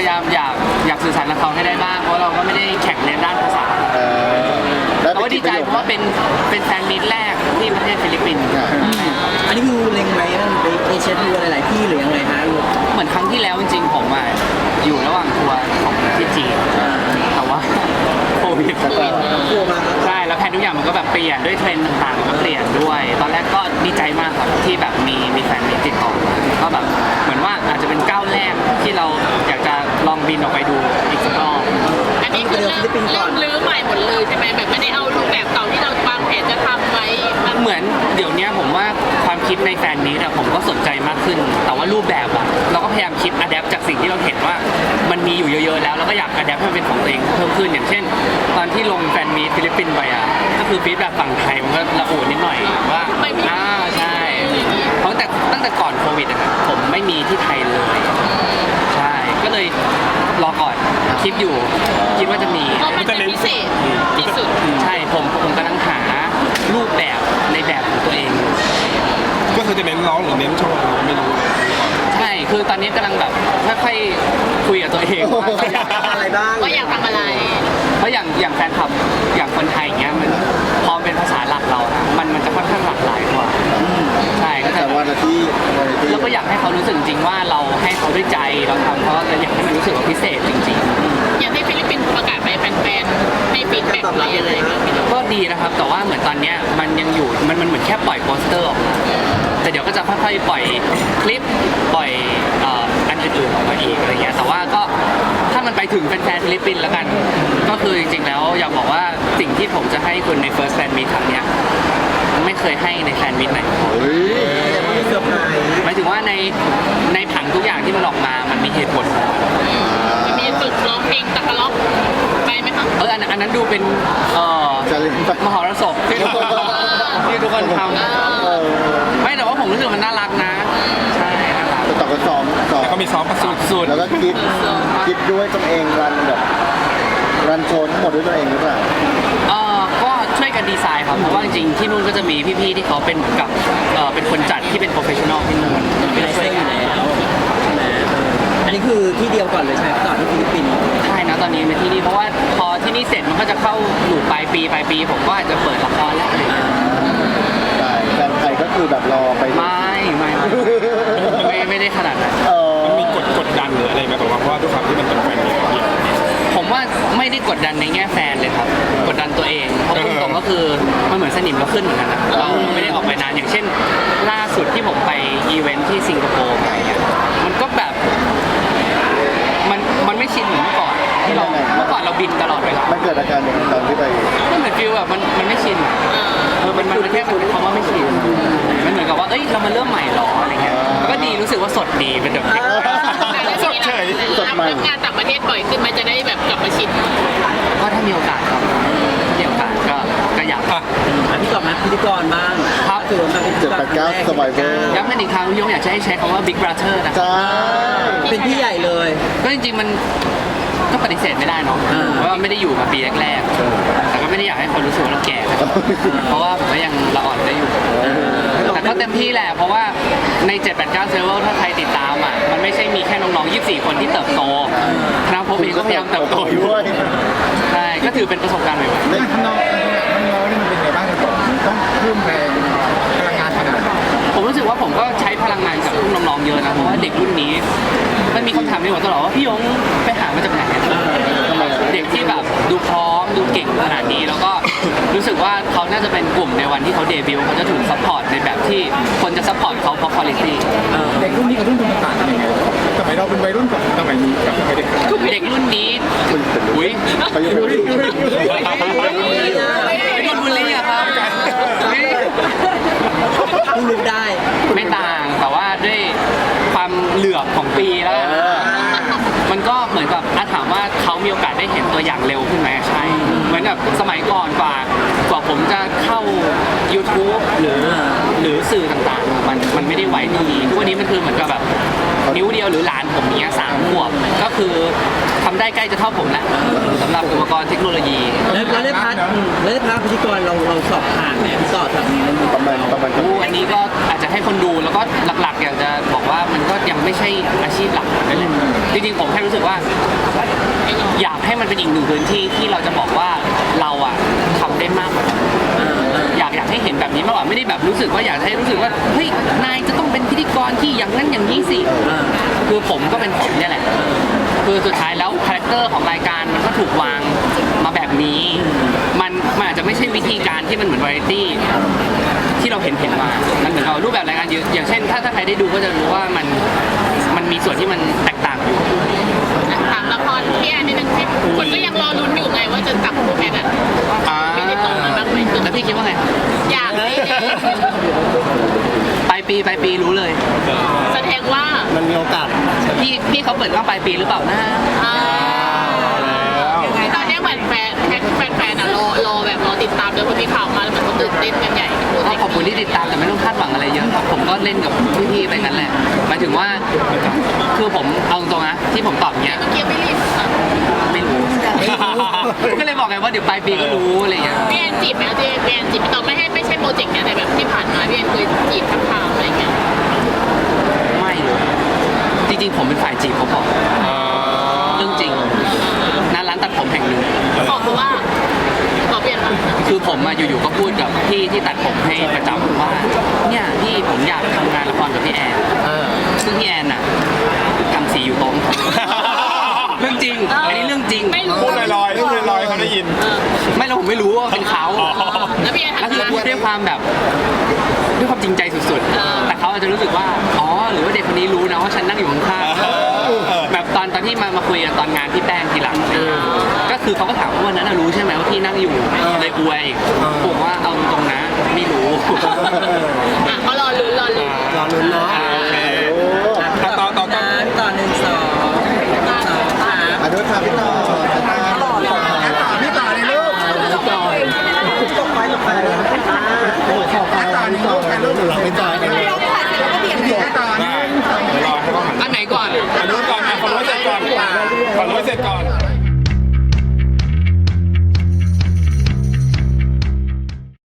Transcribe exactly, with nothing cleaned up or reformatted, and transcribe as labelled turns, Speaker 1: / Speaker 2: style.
Speaker 1: ยายามอยากอยากสื่อสารกับเขาให้ได้บ้างเพราะเราก็ไม่ได้แข่งในด้านภาษาแต่ว่าดีใจเพราะว่าเป็นเป็นแฟนมีตแรกที่ประเทศฟิลิปปินส์
Speaker 2: อันนี้คือเล็งไว้ไปเอเชียทัวร์หลายๆที่หรือยังไงฮะ
Speaker 1: เหมือนครั้งที่แล้วจริงๆผมอ่ะอยู่ระหว่างทัวร์ของที่จีนแต่ว่าโควิด
Speaker 2: ทัวร์มา
Speaker 1: ใช่แล้วแผนทุกอย่างมันก็แบบเปลี่ยนด้วยเทรนด์ต่างๆก็เปลี่ยนด้วยตอนแรกก็ดีใจมากครับที่แบบมีมีแฟนมีติดต่อก็แบบเหมือนว่าอาจจะเป็นก้าวแรกที่เราอยากจะลองบินออกไปดูอีกสักรอบ
Speaker 3: อันนี้คือเริ่มเริ่มรื้อใหม่หมดเลยใช่ไหมแบบไม่ได้เอารูปแบบเก่าที่เราวางแผนจะทำไว้
Speaker 1: เหมือนเดี๋ยวนี้ผมว่าความคิดในแฟนมีตอะผมก็สนใจมากขึ้นแต่ว่ารูปแบบอะเราก็พยายามคิดอะแดปจากสิ่งที่เราเห็นว่ามันมีอยู่เยอะๆแล้วแล้วก็อยากอะแดปให้มันเป็นของตัวเองเพิ่มขึ้นอย่างเช่นตอนที่ลงแฟนมีตฟิลิปปินส์ไปอะก็คือฟีดแบบฝั่งไทยมันก็ระอุนิดหน่อยว่าอ่าใช่เพราะตั้งแต่ตั้งแต่ก่อนโควิดอะผมไม่มีที่ไทยเลยใช่ก็เลยรอก่อนคิดอยู่คิดว่าจะมี
Speaker 3: เพราะมันจะพิเศษที่สุด
Speaker 1: ใช่ผมผมกำลังหารูปแบบในแบบของตัวเอง
Speaker 4: ก็คือจะเน้นร้องหรือเน้นโชว์ไม่รู้
Speaker 1: ใช่คือตอนนี้กำลังแบบค่อยๆคุยกับตัวเองว่าอยาก
Speaker 2: อะไรบ้าง
Speaker 3: ว่าอยากทำอะไร
Speaker 1: เพราะอย่างอย่างแฟนคลับอย่างคนไทยเงี้ยมันพอเป็นภาษาหลักเรานะมันมันจะค่อนข้างหลากหลายกว่าใช่ก็
Speaker 2: แต่วันที่
Speaker 1: เราก็อยากให้เขารู้สึกจริงว่าเราให้เขาด้วยใจเราทำเพราะเราอยากให้มันรู้สึกว่าพิเศษจริง
Speaker 3: ๆอย่างที่ฟิลิปปินส์ประกาศไปแฟนๆให้ฟีดแบ็กอะไรอะไร
Speaker 1: ก็ดีนะครับแต่ว่าเหมือนตอนเนี้ยมันยังอยู่มันมันเหมือนแค่ปล่อยโปสเตอร์ออกมาแต่เดี๋ยวก็จะค่อยๆปล่อยคลิปปล่อยอันอื่นๆออกมาอีกอะไรเงี้ยแต่ว่าก็ถ้ามันไปถึงแฟนๆฟิลิปปินส์แล้วกันก็คือจริงๆแล้วอยากบอกว่าสิ่งที่ผมจะให้คุณใน First Fan Meet ครั้งเนี้ยไม่เคยให้ในแฟนมิตไหนหมายถึงว่าในในผังทุกอย่างที่มันออกมามันมีเหตุผล
Speaker 3: จะมีฝึกร้องเพลงตะกะล็อกไปไหมคะ
Speaker 1: เอออันอันนั้นดูเป็นเอ่อมหรสพที่ทุกคนที่ทุกคนทำไม่แต่ว่าผมรู้สึกมันน่ารักนะใช่นะครับ
Speaker 2: แต่ต่อก็ซ้อมซ้อม
Speaker 4: แล้วก็มีซ้อมประส
Speaker 1: สุด
Speaker 2: แล้วก็คิดคิดด้วยตัวเองรันแบบรันโชว์ทั้งหมดด้วยตัวเองหรือเปล่า
Speaker 1: เออก็ช่วยกันดีไซน์ครับเพราะว่าจริงๆที่นู่นก็จะมีพี่ๆที่เขาเป็นเหมือนกับเออเป็นคนจัดที่เป็นโปรเฟชชั่นอลที่นู่น
Speaker 2: เป็นช่วยกันแล้วอันนี้คือที่เดียวก่อนเลยใช่ไหมต่อที่ฟิลิปปินส์
Speaker 1: ใช่นะตอนนี้เป็นที่นี่เพราะว่าพอที่นี่เสร็จมันก็จะเข้าหลูปปลายปีปลายปีผมก็อาจจะเปิดละครแล้วอะไรอย่างเงี้ย
Speaker 2: ใช่แฟนไทยก็คือแบบรอไป
Speaker 1: ไม่ไม่ไม่ไม่ได้ขนาดนั้น
Speaker 4: มันมีกดกดดันหรืออะไรไหมแบบว่าเพราะว่าด้วยความที่มันเป็นแฟนมี
Speaker 1: ผมว่าไม่ได้กดดันในแง่แฟนเลยครับกดดันตัวเองเพราะตรงๆก็คือมันเหมือนสนิมเราขึ้นเหมือนกันนะเราไม่ได้ออกไปนานอย่างเช่นล่าสุดที่ผมไปอีเวนท์ที่สิงคโปร์อะไรเงี้ยมันก็แบบมันมันไม่ชินเหมือนเมื่อก่อนที่เราเมื่อก่อนเราบินตลอดเวลา
Speaker 2: มันเกิดอาการอย่างตอนที่ไป
Speaker 1: ก็เหมือนฟิลแบบมันมันไม่ชินเออมันมันแค่เป็นคำว่าไม่ชินมันเหมือนกับว่าเอ้ยเรามาเริ่มใหม่หรออะไรเงี้ยก็ดีรู้สึกว่าสดดีเป็นแบบ
Speaker 3: สดเฉยสดใหม่งานต่างประเทศบ่อยขึ้นมันจะได้แบบกลับมาชิน
Speaker 1: ก็ถ้ามีโอกาสครับถ้ามีโอกาสก็ก็อยาก
Speaker 2: อ่ะพี่ต่อมาพิธีกรบ้าง
Speaker 1: ครับ
Speaker 2: ถือว่าเป็นเจ็ดแปดเก้าสบายเวอร์
Speaker 1: ย้ำกันอีกครั้งพี่ยงอยากจะให้ใช้คำว่า Big Brother นะ
Speaker 2: ใช่เป็นพี่ใหญ่เลย
Speaker 1: ก็จริงๆมันก็ปฏิเสธไม่ได้เนาะเพราะว่าไม่ได้อยู่มาปีแรกๆแต่ก็ไม่ได้อยากให้คนรู้สึกว่าเราแก่เพราะว่าผมก็ยังละอ่อนได้อยู่แต่ก็เต็มที่แหละเพราะว่าในเจ็ด แปด เก้าเซเวอร์ถ้าใครติดตามอ่ะมันไม่ใช่มีแค่น้องๆยี่สิบสี่คนที่เติบโตคณะผมเองก็พยายามเติบโตอยู่ใช่ก็ถือเป็นประสบการณ์ใหม่ๆ
Speaker 2: น้องน้องน้องนี่มันเป็นไงบ้างก่อนต้องเพิ่มแรงพลังงานขนาดไหน
Speaker 1: ผมรู้สึกว่าผมก็ใช้พลังงานจากรุ่นน้องๆเยอะนะเพราะว่าเด็กรุ่นนี้มันมีคำถามในหัวตลอดว่าพี่ยงไปหามาจากไหนเด็กที่แบบดูพร้อมดูเก่งขนาดนี้แล้วก็รู้สึกว่าเขาน่าจะเป็นกลุ่มในวันที่เขาเดบิวต์เขาจะถูกซัพพอร์ตในแบบที่คนจะซัพพอร์ตเขาเพราะคุณภาพ
Speaker 2: เด็กรุ่นนี้กับรุ่นคุณต่างกันยังไงสมัยเราเป็นวัยรุ่นกับสมัยนี้กับเด็ก
Speaker 1: เด็กรุ่นนี้อุ้ย
Speaker 2: ไปอยู่รุ่น
Speaker 1: โดนบูลลี่อะครับ
Speaker 2: พูดได้
Speaker 1: ไม่ต่างแต่ว่าด้วยความเหลือบของปีแล้วมันก็เหมือนกับถามว่าเขามีโอกาสได้เห็นตัวอย่างเร็วขึ้นไหมใช่เหมือนแบบสมัยก่อนกว่ากว่าผมจะเข้า YouTube หรือหรือสื่อต่างๆมันมันไม่ได้ไวดีทุกวันนี้มันคือเหมือนกับแบบนิ้วเดียวหรือหลานผมเนี้ยสามขวบก็คือทำได้ใกล้จะเท่าผมแล้วสำหรับอุปกรณ์เทคโนโลยี
Speaker 2: แล้วแล้วได้พาร์ทแล้วได้พาร์ทพิธีกรเราเราสอบผ่านไหมพี่ต่อทำนี้ประมาณประมาณ
Speaker 1: อันนี้ก็อาจจะให้คนดูแล้วก็หลักๆอยากจะบอกว่ามันก็ยังไม่ใช่อาชีพหลักนั่นเลยจริงๆผมแค่รู้สึกว่า อยากให้มันเป็นอีกหนึ่งพื้นที่ที่เราจะบอกว่าเราอะทำได้มากกว่านั้นอยากอยากให้เห็นแบบนี้มากกว่าไม่ได้แบบรู้สึกว่าอยากให้รู้สึกว่าเฮ้ยนายจะต้องเป็นพิธีกรที่อย่างนั้นอย่างนี้สิคือผมก็เป็นผมเนี่ยแหละคือสุดท้ายแล้วคาแรคเตอร์ของรายการมันก็ถูกวางมาแบบนี้มันมันอาจจะไม่ใช่วิธีการที่มันเหมือนวาไรตี้ที่เราเห็นเห็นมามันเหมือนกับรูปแบบรายการเยอะอย่างเช่นถ้าถ้าใครได้ดูก็จะรู้ว่ามันมันมีส่วนที่มันแตกต่างอยู่
Speaker 3: ถามละครพี่แอนนิดนึงที่คนก็ยังรอลุ้นอยู่ไงว่าจะจับคู่แอนอ่ะ
Speaker 1: อ่า
Speaker 3: ไม่ได้ตรงมาบ้างไหม
Speaker 1: แล้วพี่คิดว่าไง
Speaker 3: อยากให้
Speaker 1: ปลายปีปลายปีรู้เลย
Speaker 3: แสดงว่า
Speaker 2: มันมีโอกาส
Speaker 1: พี่พี่เขาเปิดกล้องปลายปีหรือเปล่านะ
Speaker 3: อ่าตอนนี้เหมือนแฟนแฟนแฟนอ่ะรอรอแบบรอติดตามเลยพอมีข่าวมาแล้วมันก็ตื่นเต้นกันใหญ่
Speaker 1: ก็ขอบคุณที่ติดตามแต่ไม่ต้องคาดหวังอะไรเยอะครับผมก็เล่นกับพี่ๆไปงั้นแหละหมายถึงว่าคือผมเอาตรงๆนะที่ผมตอบอย่างเงี้ย
Speaker 3: เมื่อกี้ไม่รีบ
Speaker 1: ไม่รู้ ก็เลยบอกไงว่าเดี๋ยวปลายปีก็รู้อะไรอย่างเงี้ย
Speaker 3: พี่แอนจีบไหมพี่แอนจีบพี่ตอนไม่ให้ไม่ใช่โปรเจกต์เนี้ยแต่แบบที่ผ่านมาพี่แอนเคยจีบทักทามอะไรเงี้ย
Speaker 1: ไม่เลยจริงๆผมเป็นฝ่ายจีบเขาบอกเรื่องจริงณร้านตัดผมแห่งหนึ่ง
Speaker 3: บอกเขาว่าบอกเปลี่ยนมา
Speaker 1: คือผมมาอยู่ๆก็พูดกับพี่ที่ตัดผมให้ประจำว่าเนี่ยพี่ผมอยากทำงานละครกับพี่แอนซึ่งพี่แอนน่ะกำสีอยู่ตรงเรื่องจริงอันนี้เรื่องจริง
Speaker 3: ไม่รู้
Speaker 4: พูดลอยๆพูดลอยๆเขาได้ยิน
Speaker 1: ไม่แล้วผมไม่รู้ว่าเป็นเขา
Speaker 3: แล้วพี่แอน
Speaker 1: แล้วคือ
Speaker 3: ทำงาน
Speaker 1: พูดด้วยความแบบด้วยความจริงใจสุด
Speaker 3: เออ
Speaker 1: ๆแต่เขาอาจจะรู้สึกว่าอ๋อหรือว่าเด็กคนนี้รู้นะว่าฉันนั่งอยู่ข้างๆแบบตอนตอนที่มามาคุยกันตอนงานพี่แป้งทีหลังอะไรอย่างเงี้ยก็คือเขาก็ถามว่าวันนั้นน่ะรู้ใช่ไหมว่าพี่นั่งอยู่เลยอวยผมว่าเอาตรงๆนะไม่รู้